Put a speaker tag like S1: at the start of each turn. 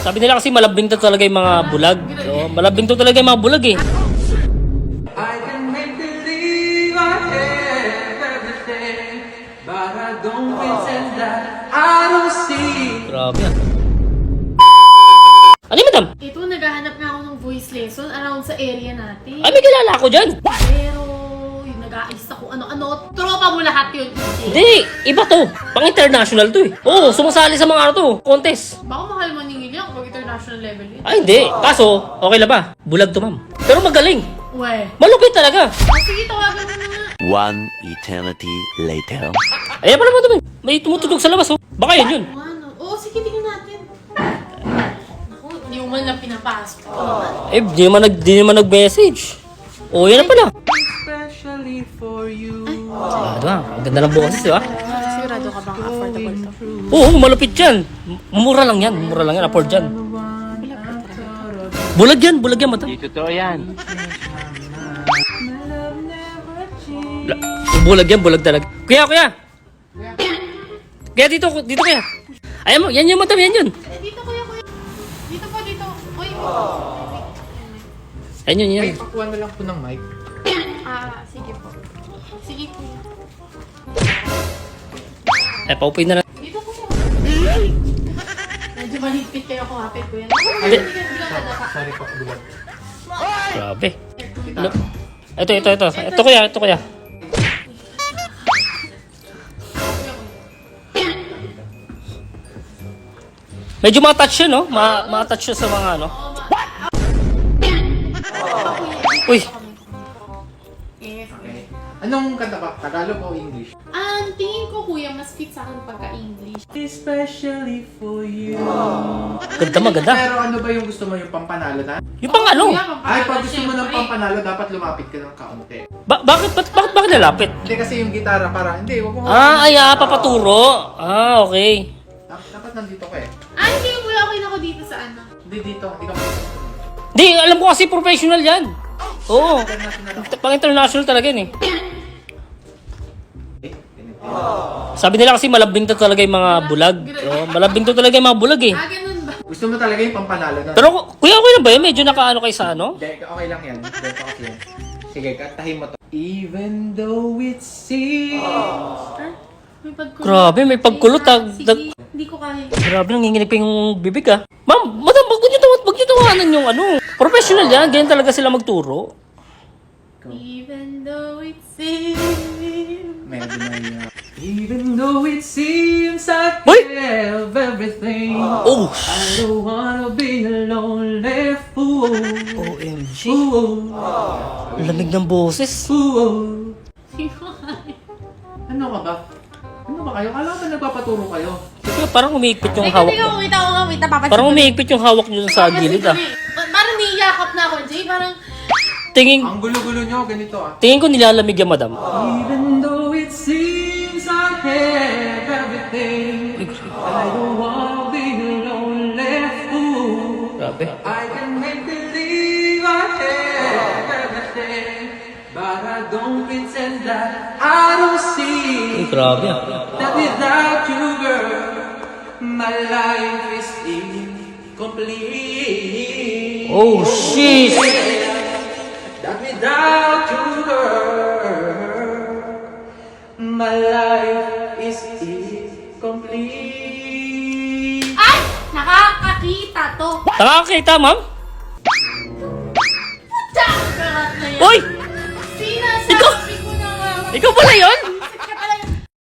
S1: Sabi nila kasi malabing to talaga yung mga bulag. So, malabing to talaga yung mga bulag eh.
S2: I can make believe I have everything, but I don't pretend that I don't see.
S1: Grabe yan. Ano yun, madam?
S3: Ito, naghahanap nga ako ng voice lesson around sa area natin.
S1: Ay, may kilala ako dyan.
S3: Pero, yung nag-aayos ako ano-ano, tropa mo lahat yun.
S1: Hindi, iba to. Pang-international to eh. Oo, sumasali sa mga ano to, contest.
S3: Baka mahal maningil yan kung international level yun.
S1: Ay, hindi. Kaso, okay lang ba? Bulag to, ma'am. Pero magaling.
S3: Uwe.
S1: Malupit talaga.
S3: Sige, tawagan mo na nga.
S4: One eternity later.
S1: Ayan pala, madam. May tumutugtog sa labas, oh. Baka yun yun.
S3: Ano? Oo, sige, tingnan natin. Naku, hindi mo man lang pinapasok.
S1: Eh, di naman nag-message. Oh, yan na pala.
S2: Especially for you.
S1: Ah, diba? Ang ganda ng boses, diba?
S3: Sigurado ka bang affordable to?
S1: Oo, malupit yan. Mura lang yan. Mura lang yan. Afford yan. Bulag yan, madam.
S4: Di totoo yan.
S1: Bulag yan, bulag talaga. Kuya. Kaya dito kuya. Ayan mo, yan yung madam, yan yun.
S3: Dito, kuya. Dito po, dito. Uy.
S1: Ayan yun, yan.
S2: Ay, pakuha na lang po ng mic.
S3: Sige po. Sige, kuya.
S1: Eh, paupin na lang.
S3: Dito, kuya. Medyo malipit kayo kumapit, kuya. Hindi ka nadaka.
S2: Sorry po, bulag.
S1: Grabe. Ano? Ito kuya. Medyo ma-touch yun, no? Ma-touch yun sa mga ano. Uy,
S3: Yes.
S2: Okay. Anong kanta ba? Tagalog o English?
S3: Ang tingin ko, kuya, mas fit sa akin pagka-English.
S2: Especially for you.
S1: maganda.
S2: Pero ano ba yung gusto mo, yung pampanalo na?
S1: Yung pang ano?
S3: Kuya,
S2: Ay, pag gusto mo ng
S3: syempre.
S2: pampanalo, dapat lumapit ka ng kaunti.
S1: Bakit lalapit?
S2: Hindi kasi yung gitara para, hindi, wag mo.
S1: Papaturo. Okay.
S2: Dapat nandito ka eh.
S3: Hindi, kuya, okay na ako dito sa ano.
S2: Hindi dito, hindi ka
S1: Di, alam ko kasi professional yan. Oo.
S2: international ako.
S1: Pang-international talaga yun eh.
S2: Ganito.
S1: Sabi nila kasi malabing to talaga yung mga bulag. Oh, malabing to talaga yung mga bulag eh.
S3: Ganun ba?
S2: Gusto mo talaga yung pampanalo na?
S1: Pero kuya, okay lang ba yun? Medyo nakaano kayo sa ano?
S2: Hindi, okay lang yan. Ganito kasi yan. Sige, kantahin mo to. Even though it seems...
S3: May pagkulot.
S1: Grabe, may pagkulot,
S3: Sige, hindi ko kaya.
S1: Grabe, nanginginig pa yung bibig ah. Ma'am, madam, wag niyo tawanan yung ano. Professional yan, ganyan talaga sila magturo.
S3: Even though it seems...
S2: Medyo may... Even though it seems I
S1: Hoy!
S2: have everything,
S1: Oh,
S2: I don't wanna be a lonely fool.
S1: OMG.
S2: Fool.
S1: Lamig ng boses.
S2: Fool.
S3: Hindi ko kaya.
S2: Ano ka ba? Ano ba kayo? Kala ko ba nagpapaturo kayo?
S1: Kaya parang umiikpit yung
S3: Teka,
S1: hawak
S3: teka,
S1: niyo.
S3: wait ako nga, wait, napapansin
S1: Parang
S3: ko.
S1: umiikpit yung hawak niyo sa gilid ah.
S3: Parang niyakap na ako, Jay. Parang,
S2: Ang gulo-gulo nyo, ganito ah.
S1: Tingin ko nilalamig yan, madam.
S2: Even though it seems I have everything, I don't wanna be a lonely fool.
S1: Grabe.
S2: I can make believe I have everything, but I don't pretend that I don't see
S1: Ay, grabe ah.
S2: that without you, girl, my life is incomplete.
S1: Oh, shit.
S2: That without you, girl, my life is incomplete.
S3: ay! Nakakakita to.
S1: Nakakita, ma'am?
S3: Tsakarat na yan.
S1: Uy!
S3: Sinasabi ko na nga.
S1: Ikaw pala yun?